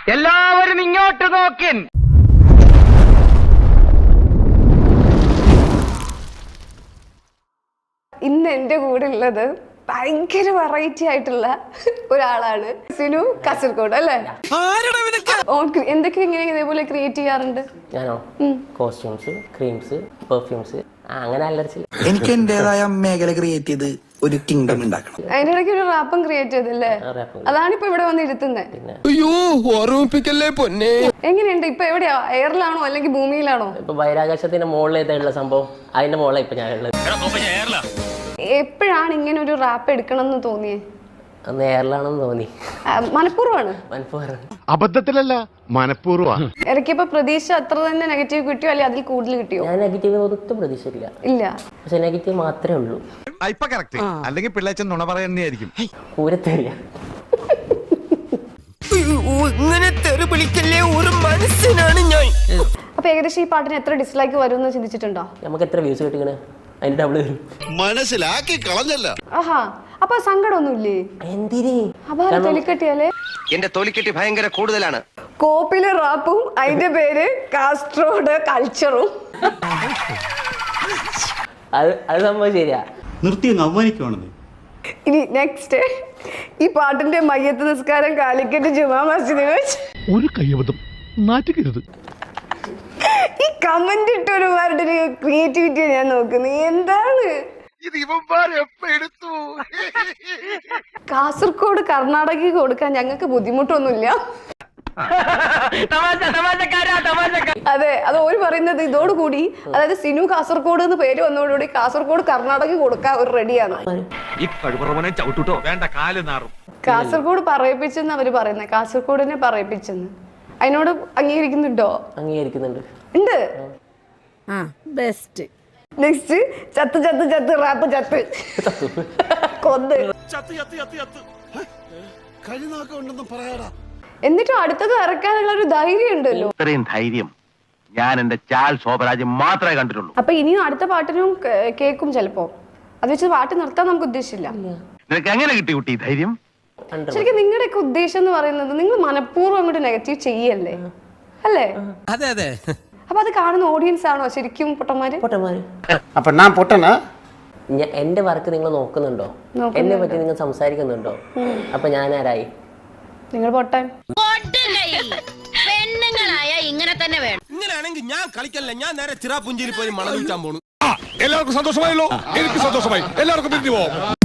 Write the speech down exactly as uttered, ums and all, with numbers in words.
എല്ലാവരും ഇങ്ങോട്ട് നോക്കിൻ. ഇന്ന് എന്റെ കൂടെ ഉള്ളത് ഭയങ്കര വെറൈറ്റി ആയിട്ടുള്ള ഒരാളാണ് സിനു കാസർഗോഡ് അല്ലേ? എന്തൊക്കെ ഇങ്ങനെ ഇതേപോലെ ക്രിയേറ്റ് ചെയ്യാറുണ്ട്? ഞാനോ കോസ്റ്റ്യൂംസ്, ക്രീംസ്, പെർഫ്യൂംസ്, അങ്ങനെ അലർച്ചി. എനിക്ക് എന്റേതായ മേഖല ക്രിയേറ്റ് ചെയ്ത് ഒരു കിങ്ഡം ഉണ്ടാക്കണം. അതിന്റെ ഇടയ്ക്ക് ഒരു റാപ്പും ക്രിയേറ്റ് ചെയ്തല്ലേ? അതാണ് ഇപ്പൊ ഇവിടെ വന്ന് ഇരുത്തുന്നത്. എങ്ങനെയുണ്ട് ഇപ്പൊ? എവിടെയാ? എയറിലാണോ അല്ലെങ്കിൽ ഭൂമിയിലാണോ? ഇപ്പൊ ബഹിരാകാശത്തിന്റെ മുകളിലേക്കുള്ള സംഭവം അതിന്റെ മുകളിലാണ് ഇപ്പൊ ഞാനുള്ളത്. എപ്പോഴാണ് ഇങ്ങനെ ഒരു റാപ്പ് എടുക്കണം എന്ന് തോന്നിയേ? അന്ന് എയറിലാണെന്ന് തോന്നി. മനഃപൂർവ്വമാണ്? അബദ്ധത്തിലല്ല, മനഃപൂർവ്വമാണ്. ഇറക്കിയപ്പോ പ്രതീക്ഷ അത്ര തന്നെ നെഗറ്റീവ് കിട്ടിയോ അല്ലെങ്കിൽ അതിൽ കൂടുതൽ കിട്ടിയോ? ഞാൻ നെഗറ്റീവ് ഒട്ടും പ്രതീക്ഷയില്ല. ഇല്ല, പക്ഷെ നെഗറ്റീവ് മാത്രമേ ഉള്ളൂ. അല്ലെങ്കിൽ പിള്ളേച്ചൻ നുണ പറയുന്നതായിരിക്കും. പൂരത്തേറിയ അപ്പൊ ഏകദേശം ഈ പാട്ടിന് എത്ര ഡിസ്ലൈക്ക് വരും എന്ന് ചിന്തിച്ചിട്ടുണ്ടോ? നമുക്ക് എത്ര വ്യൂസ് കിട്ടിക്കണേ അതിന്റെ ഡബിൾ വരും. മനസ്സിലാക്കി കളഞ്ഞല്ല. ആഹാ, അപ്പൊ സങ്കടമൊന്നുമില്ലേ? എന്തിന്? അപാര തൊലിക്കെട്ടിയാലേ? എന്റെ തൊലിക്കെട്ടി ഭയങ്കര കൂടുതലാണ്. കോപ്പിലെ റാപ്പും അതിന്റെ പേര് കാസ്ട്രോഡ് കൾച്ചറും. അത് അത് സംഭവം ശരിയാ. നിർത്തി അവമാനിക്കുവാണെന്ന്. ഇനി നെക്സ്റ്റ്, ഈ പാട്ടിന്റെ മയ്യത്ത് നിസ്കാരം കാലിക്കറ്റ് ജുമാ മസ്ജിദിൽ വെച്ച് ഒരു കയ്യബദ്ധം നാറ്റുകരുത്. ഈ കമന്റ് ഇട്ടൊരുമാരുടെ ഒരു ക്രിയേറ്റിവിറ്റി ഞാൻ നോക്കുന്നത്. എന്താണ് കാസർഗോഡ് കർണാടകയ്ക്ക് കൊടുക്കാൻ ഞങ്ങൾക്ക് ബുദ്ധിമുട്ടൊന്നുമില്ല. അതെ, അത് ഓര് പറയുന്നത് ഇതോടുകൂടി, അതായത് സിനു കാസർഗോഡ് എന്ന് പേര് വന്നതോടുകൂടി കാസർഗോഡ് കർണാടക കൊടുക്കാൻ ഒരു റെഡിയാണ്. കാസർഗോഡ് പറയിപ്പിച്ചെന്ന് അവര് പറയുന്നത്. കാസർഗോഡിനെ പറയിപ്പിച്ചെന്ന്. അതിനോട് അംഗീകരിക്കുന്നുണ്ടോ? അംഗീകരിക്കുന്നുണ്ട്. ഉണ്ട്. ബെസ്റ്റ്. നെക്സ്റ്റ്, ചത്ത് ചത്ത് ചത്ത് റാപ്പ് ചത്ത് കൊന്ന്. എന്നിട്ടും അടുത്തത് ഇറക്കാനുള്ള ഒരു ധൈര്യം ഉണ്ടല്ലോ. ഇത്രയും ധൈര്യം ഞാൻ എന്റെ ചാൽ ശോഭരാജ് മാത്രമേ കണ്ടിട്ടുള്ളൂ. അപ്പൊ ഇനിയും അടുത്ത പാട്ടിനും കേൾക്കും ചിലപ്പോ. അത് വെച്ച് പാട്ട് നിർത്താൻ നമുക്ക് ഉദ്ദേശമില്ല. നിനക്ക് എങ്ങനെ കിട്ടി കുട്ടി ധൈര്യം? ശരിക്കും നിങ്ങളുടെയൊക്കെ ഉദ്ദേശം എന്ന് പറയുന്നത് നിങ്ങൾ മനഃപൂർവ്വം അങ്ങോട്ട് നെഗറ്റീവ് ചെയ്യല്ലേ, അല്ലേ? അതെ അതെ. അപ്പൊ അത് കാണുന്ന ഓഡിയൻസ് ആണോ ശരിക്കും പൊട്ടന്മാര്? പൊട്ടന്മാര്. അപ്പൊ ഞാൻ പൊട്ടനാ? എന്റെ വർക്ക് നിങ്ങൾ നോക്കുന്നുണ്ടോ? എന്നെ പറ്റി നിങ്ങൾ സംസാരിക്കുന്നുണ്ടോ? അപ്പൊ ഞാൻ ആരായി? നിങ്ങൾ പൊട്ടാൻ. പെണ്ണുങ്ങളായ ഇങ്ങനെ തന്നെ വേണം. ഇങ്ങനെയാണെങ്കിൽ ഞാൻ കളിക്കല്ല, ഞാൻ നേരെ ചിറാപുഞ്ചിയിൽ പോയി മണം വിൽക്കാൻ പോണു. എല്ലാവർക്കും സന്തോഷമായല്ലോ. എനിക്ക് സന്തോഷമായി. എല്ലാവർക്കും പിരിഞ്ഞു പോവാം.